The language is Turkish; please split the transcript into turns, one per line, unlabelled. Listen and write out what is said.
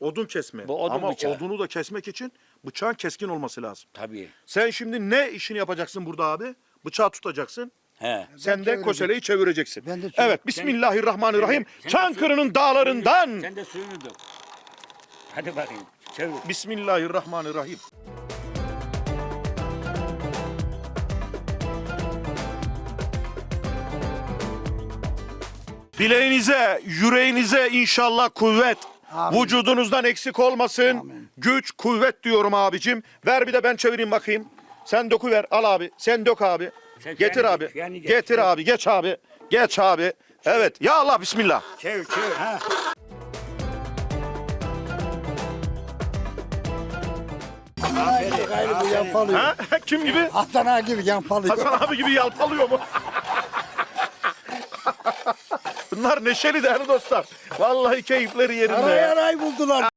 Odun kesme.
Bu odun
Ama
bıçağı.
odunu da kesmek için bıçağın keskin olması lazım.
Tabii.
Sen şimdi ne işini yapacaksın burada abi? Bıçağı tutacaksın.
He.
Sen de koseleyi çevireceksin.
Ben de
Evet, Bismillahirrahmanirrahim.
Sen de
Çankırı'nın dağlarından.
Sen de suyunu dök. Hadi bakayım. Çevir.
Bismillahirrahmanirrahim. Bileğinize, yüreğinize inşallah kuvvet.
Amin.
Vücudunuzdan eksik olmasın.
Amin.
Güç, kuvvet diyorum abicim. Ver bir de ben çevireyim bakayım. Sen döküver. Al abi. Sen dök abi.
Sen
Getir
yani
abi.
geç, yani geç.
Getir abi. Geç abi. Geç abi. Evet. Ya Allah bismillah.
Çevir çevir. Ha. Aferin.
Gayrı bu yampalıyor.
Ha? Kim gibi?
Hasan ağa gibi yampalıyor.
Hasan abi gibi yalpalıyor mu? Bunlar neşeli değerli dostlar. Vallahi keyifleri yerinde.
Aray
ya.
aray buldular.